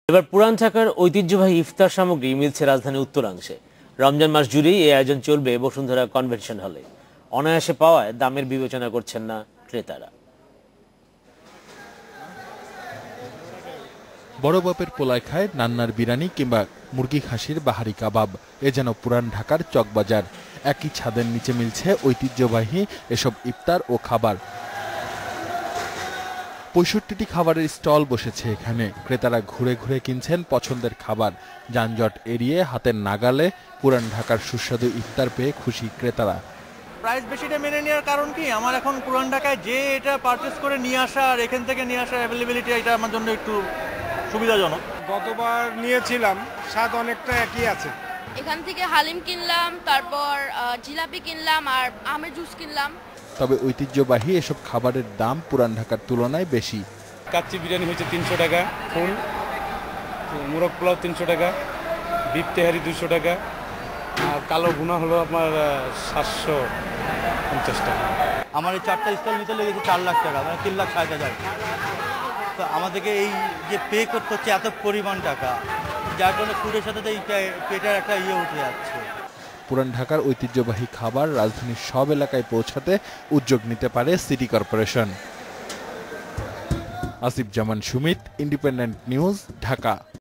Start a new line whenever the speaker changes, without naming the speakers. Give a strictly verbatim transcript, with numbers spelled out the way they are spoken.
এবার পুরান ঢাকার ঐতিহ্যবাহী ইফতার সামগ্রী মিলছে রাজধানীর উত্তরাংশে। রমজান মাস জুড়েই এই আয়োজন চলবে বসুন্ধরা কনভেনশন হলে। অনায়াসে পাওয়ায় দামের বিবেচনা করছেন না ক্রেতারা।
বড় বাপের পোলায় খায় নান্নার বিরানি কিংবা মুরগি খাসির বাহারি কাবাব, এ যেন পুরান ঢাকার চকবাজার। একই ছাদের নিচে মিলছে ঐতিহ্যবাহী এসব ইফতার ও খাবার। পঁয়ষট্টিটি খাবারের স্টল বসেছে এখানে। ক্রেতারা ঘুরে ঘুরে কিনছেন পছন্দের খাবার। যানজট এড়িয়ে হাতের নাগালে পুরান ঢাকার সুস্বাদু ইফতার পেয়ে খুশি ক্রেতারা।
প্রাইস বেশিটা মেনে নেওয়ার কারণ কি, আমার এখন পুরান ঢাকায় যে এটা পারচেস করে নিয়ে আসা আর এখান থেকে নিয়ে আসা অ্যাভেলেবিলিটি, এটা আমার জন্য একটু সুবিধাজনক।
গতবার নিয়েছিলাম, স্বাদ অনেকটা একই আছে।
এখান থেকে হালিম কিনলাম, তারপর জিলাপি কিনলাম আর আমের জুস কিনলাম।
তবে ঐতিহ্যবাহী এসব খাবারের দাম পুরান ঢাকার তুলনায় বেশি।
কাচ্চি বিরিয়ানি হচ্ছে তিনশো টাকা, ফুল মোরগ পোলাও তিনশো টাকা, বিফ তেহারি দুশো টাকা, আর কালো ভুনা হলো আপনার সাতশো পঞ্চাশ টাকা।
আমার এই চারটা স্টল নিতে লেগেছে চার লাখ টাকা, মানে তিন লাখ ষাট হাজার। তো আমাদেরকে এই যে পে করতে হচ্ছে এত পরিমাণ টাকা, যার জন্য ফুডের সাথে তো এই পেটের একটা ইয়ে উঠে যাচ্ছে।
পুরান ঢাকার ঐতিহ্যবাহী খাবার রাজধানীর সব এলাকায় পৌঁছাতে উদ্যোগ নিতে পারে city corporation. Asif Zaman Sumit, Independent News, Dhaka.